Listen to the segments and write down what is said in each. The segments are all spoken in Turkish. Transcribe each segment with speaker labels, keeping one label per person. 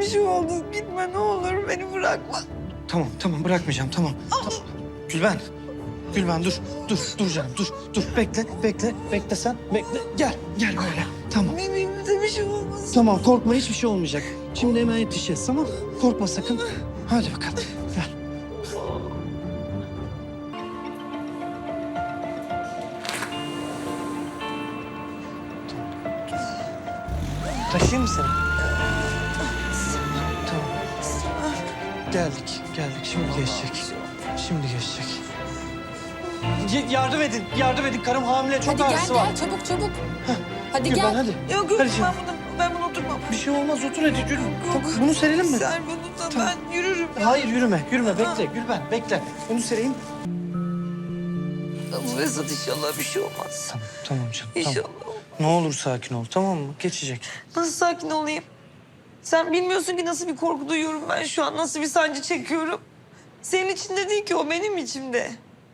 Speaker 1: bir şey oldu. Gitme ne olur beni bırakma.
Speaker 2: Tamam bırakmayacağım tamam. Gülben. Gülben dur canım dur. Bekle sen. Gel böyle. Tamam.
Speaker 1: Bebeğimize bir şey olmasın.
Speaker 2: Tamam korkma hiçbir şey olmayacak. Şimdi hemen yetişeceğiz tamam. Korkma sakın. Hadi bakalım gel. Taşıyayım mı seni? Tamam. Geldik. Şimdi geçecek. Yardım edin. Karım hamile, çok
Speaker 3: Hadi
Speaker 2: ağrısı var.
Speaker 3: gel çabuk. Hadi
Speaker 2: Gülben,
Speaker 3: gel.
Speaker 2: hadi.
Speaker 1: Yok
Speaker 2: Hadi canım.
Speaker 1: ben bunu oturmam.
Speaker 2: Bir şey olmaz, otur hadi. Yürü. Tamam, bunu serelim mi?
Speaker 1: Ser bunu da
Speaker 2: Tamam.
Speaker 1: ben yürürüm.
Speaker 2: Hayır, yürüme. Bekle Gülben, bekle. Bunu sereyim.
Speaker 1: Vesat inşallah bir şey olmaz.
Speaker 2: Tamam canım,
Speaker 1: İnşallah.
Speaker 2: Ne olur sakin ol, tamam mı? Geçecek.
Speaker 1: Nasıl sakin olayım? Sen bilmiyorsun ki nasıl bir korku duyuyorum ben şu an. Nasıl bir sancı çekiyorum. Senin içinde değil ki o benim içimde.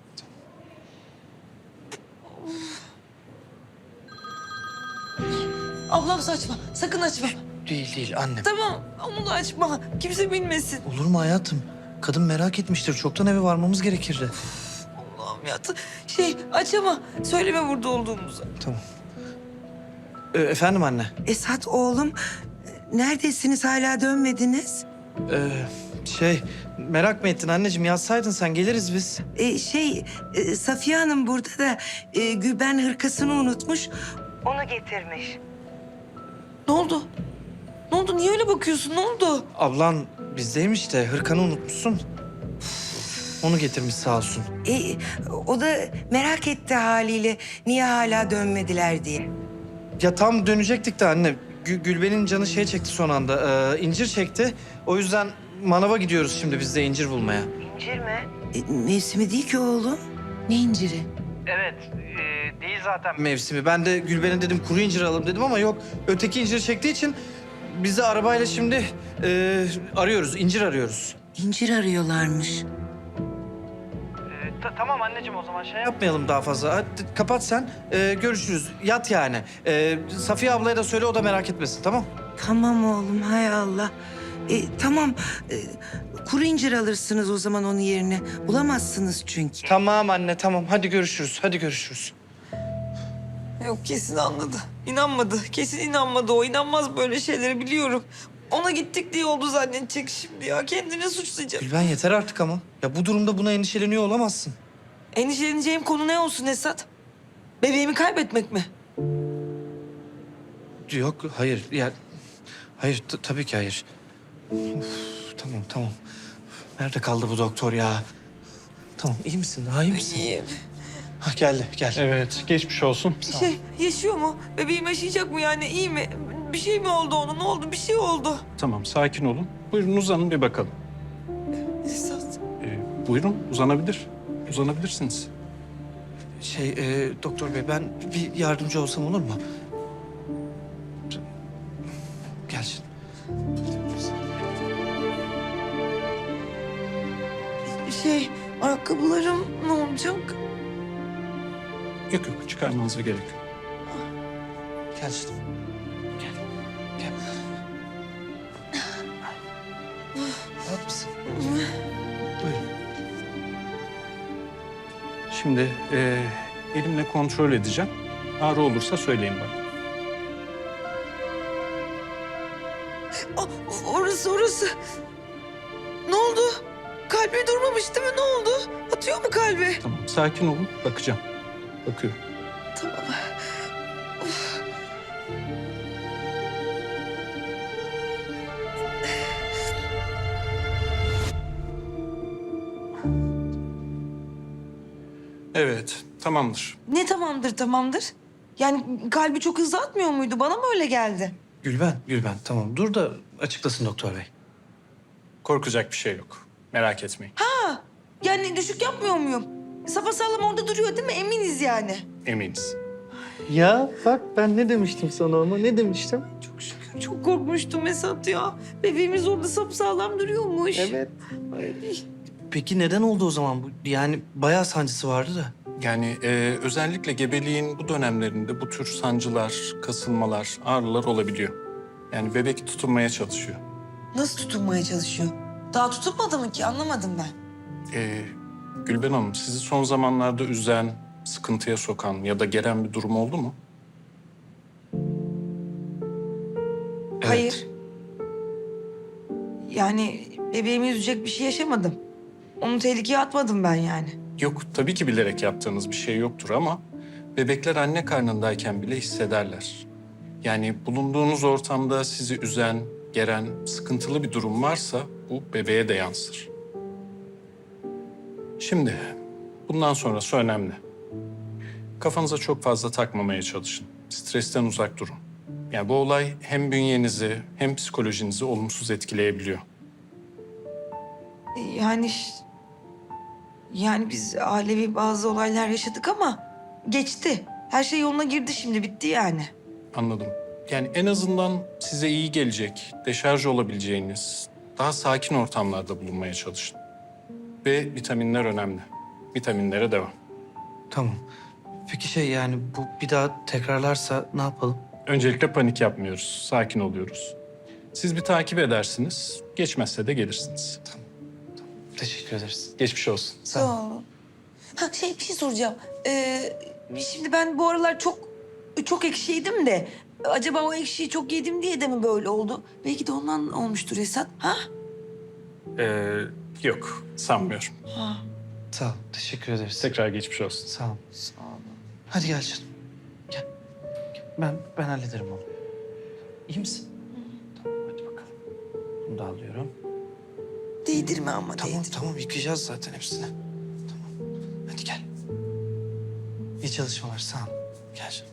Speaker 1: Ablam saçma. Sakın açma.
Speaker 2: Değil annem.
Speaker 1: Tamam onu da açma. Kimse bilmesin.
Speaker 2: Olur mu hayatım? Kadın merak etmiştir. Çoktan eve varmamız gerekirdi.
Speaker 1: Allah'ım ya. Aç ama söyleme burada olduğumuzu.
Speaker 2: Tamam. Efendim anne?
Speaker 4: Esat oğlum, neredesiniz hala dönmediniz?
Speaker 2: Merak mı ettin anneciğim? Yazsaydın sen, geliriz biz.
Speaker 4: Safiye Hanım burada da Gülben hırkasını unutmuş. Onu getirmiş.
Speaker 1: Ne oldu? Ne oldu? Niye öyle bakıyorsun? Ne oldu?
Speaker 2: Ablan bizdeymiş de hırkanı unutmuşsun. Onu getirmiş sağ olsun.
Speaker 4: O da merak etti haliyle niye hala dönmediler diye.
Speaker 2: Ya tam dönecektik de anne. Gülben'in canı çekti son anda. İncir çekti. O yüzden manava gidiyoruz şimdi biz de incir bulmaya.
Speaker 4: İncir mi? Mevsimi değil ki oğlum.
Speaker 3: Ne inciri?
Speaker 2: Evet, değil zaten mevsimi. Ben de Gülben'e dedim kuru incir alalım dedim ama yok. Öteki incir çektiği için biz de arabayla şimdi arıyoruz, incir arıyoruz.
Speaker 4: İncir arıyorlarmış.
Speaker 2: Tamam anneciğim o zaman yapmayalım daha fazla. Hadi kapat sen, görüşürüz. Yat yani. Safiye ablaya da söyle o da merak etmesin tamam?
Speaker 4: Tamam oğlum, hay Allah. Tamam, kuru incir alırsınız o zaman onun yerine. Bulamazsınız çünkü.
Speaker 2: Tamam anne tamam hadi görüşürüz.
Speaker 1: Yok kesin anladı. İnanmadı. Kesin inanmadı o. İnanmaz böyle şeyleri biliyorum. Ona gittik diye oldu zannedecek şimdi ya. Kendini suçlayacak.
Speaker 2: Gülben yeter artık ama. Ya bu durumda buna endişeleniyor olamazsın.
Speaker 1: Endişeleneceğim konu ne olsun Esat? Bebeğimi kaybetmek mi?
Speaker 2: Yok hayır ya. Hayır tabii ki hayır. Of, tamam. Nerede kaldı bu doktor ya? Tamam iyi misin? Daha iyi misin?
Speaker 1: İyiyim.
Speaker 2: Ha, geldi.
Speaker 5: Evet, geçmiş olsun.
Speaker 1: Yaşıyor mu? Bebeğim yaşayacak mı yani? İyi mi? Bir şey mi oldu ona? Ne oldu? Bir şey oldu.
Speaker 5: Tamam, sakin olun. Buyurun uzanın bir bakalım.
Speaker 1: Esat.
Speaker 5: Buyurun, uzanabilirsiniz.
Speaker 2: Doktor bey ben bir yardımcı olsam olur mu? Gel şimdi.
Speaker 1: Ayakkabılarım ne olacak?
Speaker 5: Yok, çıkarmanıza gerek yok.
Speaker 2: Gel şimdi. Gel. Rahat mısın? Buyurun.
Speaker 5: Şimdi elimle kontrol edeceğim. Ağrı olursa söyleyin bana.
Speaker 1: Orası. Ne oldu? Kalbi durmamış değil mi? Ne oldu? Atıyor mu kalbi?
Speaker 5: Tamam, sakin olun. Bakacağım. Bakıyorum.
Speaker 1: Tamam.
Speaker 5: Evet, tamamdır.
Speaker 1: Ne tamamdır? Yani kalbi çok hızlı atmıyor muydu? Bana mı öyle geldi?
Speaker 2: Gülben tamam dur da açıklasın doktor bey.
Speaker 5: Korkacak bir şey yok. Merak etmeyin.
Speaker 1: Yani düşük yapmıyor muyum? Sapasağlam orada duruyor değil mi? Eminiz yani.
Speaker 5: Eminiz.
Speaker 2: Ya bak ben ne demiştim sana ama ne demiştim?
Speaker 1: Çok şükür. Çok korkmuştum Esat ya. Bebeğimiz orada sapasağlam duruyormuş.
Speaker 2: Evet.
Speaker 1: Ay.
Speaker 2: Peki neden oldu o zaman bu? Yani bayağı sancısı vardı da.
Speaker 5: Yani özellikle gebeliğin bu dönemlerinde bu tür sancılar, kasılmalar, ağrılar olabiliyor. Yani bebek tutunmaya çalışıyor.
Speaker 1: Nasıl tutunmaya çalışıyor? Daha tutunmadı mı ki? Anlamadım ben.
Speaker 5: Gülben Hanım, sizi son zamanlarda üzen, sıkıntıya sokan ya da gelen bir durum oldu mu?
Speaker 1: Hayır. Yani bebeğimi üzecek bir şey yaşamadım. Onu tehlikeye atmadım ben yani.
Speaker 5: Yok, tabii ki bilerek yaptığınız bir şey yoktur ama bebekler anne karnındayken bile hissederler. Yani bulunduğunuz ortamda sizi üzen, geren, sıkıntılı bir durum varsa bu bebeğe de yansır. Şimdi bundan sonrası önemli. Kafanıza çok fazla takmamaya çalışın. Stresten uzak durun. Yani bu olay hem bünyenizi hem psikolojinizi olumsuz etkileyebiliyor.
Speaker 1: Yani biz ailevi bazı olaylar yaşadık ama geçti. Her şey yoluna girdi şimdi, bitti yani.
Speaker 5: Anladım. Yani en azından size iyi gelecek, deşarj olabileceğiniz, daha sakin ortamlarda bulunmaya çalışın. Ve vitaminler önemli. Vitaminlere devam.
Speaker 2: Tamam. Peki yani bu bir daha tekrarlarsa ne yapalım?
Speaker 5: Öncelikle panik yapmıyoruz, sakin oluyoruz. Siz bir takip edersiniz, geçmezse de gelirsiniz.
Speaker 2: Teşekkür ederiz.
Speaker 5: Geçmiş olsun.
Speaker 1: Sağ olun. Bir şey soracağım. Şimdi ben bu aralar çok ekşi yedim de... Acaba o ekşiyi çok yedim diye de mi böyle oldu? Belki de ondan olmuştur Esat. Ha?
Speaker 5: Yok, sanmıyorum.
Speaker 1: Ha.
Speaker 2: Sağ ol. Teşekkür ederiz.
Speaker 5: Tekrar geçmiş olsun.
Speaker 2: Sağ ol.
Speaker 1: Sağ olun.
Speaker 2: Hadi gel canım. Gel. Ben hallederim onu. İyi misin? Tamam hadi bakalım. Bunu da alıyorum.
Speaker 1: Değdirme ama değdirme.
Speaker 2: Tamam yıkayacağız zaten hepsini. Tamam. Hadi gel. İyi çalışmalar sağ ol. Gel canım.